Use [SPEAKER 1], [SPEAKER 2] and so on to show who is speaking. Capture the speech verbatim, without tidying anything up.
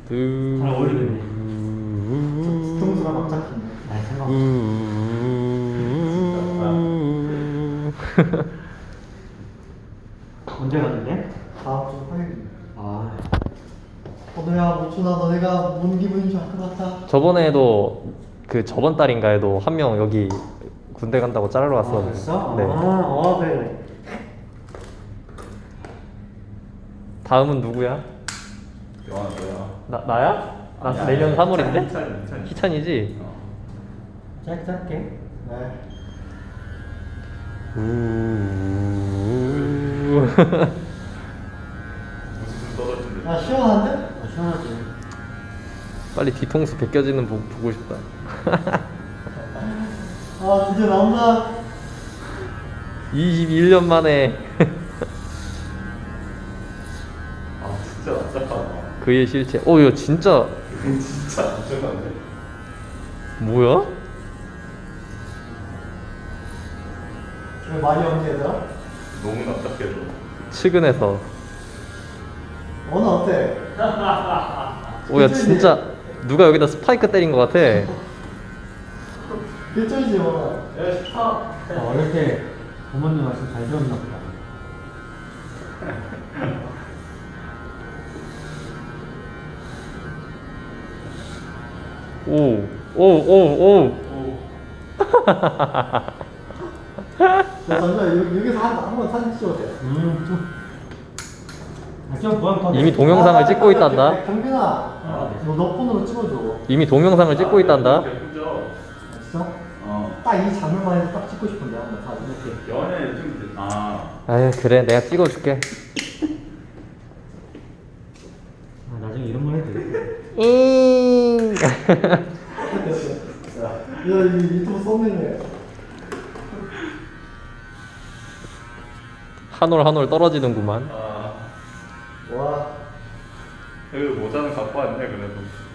[SPEAKER 1] 잘 어울리네. 뒤통수가 막 잡히네. 아 상관없어. 언제 갔는데? 다음 주 화요일. 아. 호두야, 모춘아, 너네가 뭔 기분인 줄 알 것 같아.
[SPEAKER 2] 저번에도 그 저번 달인가에도 한 명 여기 군대 간다고 자르러 왔었는데.
[SPEAKER 1] 아, 됐어?
[SPEAKER 2] 네.
[SPEAKER 1] 아, 어, 그래.
[SPEAKER 2] 다음은 누구야?
[SPEAKER 3] 영화 뭐야?
[SPEAKER 2] 나 나야? 나
[SPEAKER 3] 아니야,
[SPEAKER 2] 내년
[SPEAKER 3] 아니야.
[SPEAKER 2] 삼월인데?
[SPEAKER 3] 희찬이, 희찬이.
[SPEAKER 2] 희찬이지?
[SPEAKER 3] 어.
[SPEAKER 1] 짧게 짧게. 네.
[SPEAKER 2] 우.
[SPEAKER 3] 무슨 떨어진대.
[SPEAKER 1] 야, 시원한데? 아, 시원하지.
[SPEAKER 2] 빨리 뒤통수 벗겨지는 보 보고 싶다.
[SPEAKER 1] 아, 드디어 나온다.
[SPEAKER 2] 이십일 년 만에
[SPEAKER 3] 아 진짜 납작하다.
[SPEAKER 2] 그의 실체. 오, 이거 진짜
[SPEAKER 3] 이건 진짜 납작한데.
[SPEAKER 2] 뭐야?
[SPEAKER 1] 왜 말이 없니, 얘들아?
[SPEAKER 3] 너무 납작해서.
[SPEAKER 2] 측은해서.
[SPEAKER 1] 너는 어때?
[SPEAKER 2] 오, 야 진짜 누가 여기다 스파이크 때린 것 같아.
[SPEAKER 1] 일절이지, 뭐.
[SPEAKER 3] 야 스탑.
[SPEAKER 1] 아, 어릴 때 부모님 말씀 잘 들었나 보다.
[SPEAKER 2] 오, 오, 오, 오.
[SPEAKER 1] 야, 잠시만, 여기, 여기서 한, 한번 사진 찍어도 돼. 음, 좀. 아, 좀 뭐야, 더.
[SPEAKER 2] 이미 동영상을 찍고 있단다.
[SPEAKER 1] 경빈아, 너, 너 폰으로 찍어줘.
[SPEAKER 2] 이미 동영상을 찍고 있단다.
[SPEAKER 3] 예쁘죠?
[SPEAKER 1] 진짜?
[SPEAKER 3] 어.
[SPEAKER 1] 딱 이 장면만 해도 딱 찍고 싶은데, 한번 다 이렇게.
[SPEAKER 3] 연애 좀 아.
[SPEAKER 2] 아유, 그래, 내가 찍어줄게.
[SPEAKER 1] 아, 나중에 이런 거 해도 돼.
[SPEAKER 2] 잉.
[SPEAKER 1] 야, 이 유튜브 썸네일이야.
[SPEAKER 2] 한올 한올 떨어지는구만.
[SPEAKER 3] 아.
[SPEAKER 1] 와.
[SPEAKER 3] 여기 모자는 갖고 왔네 그래도.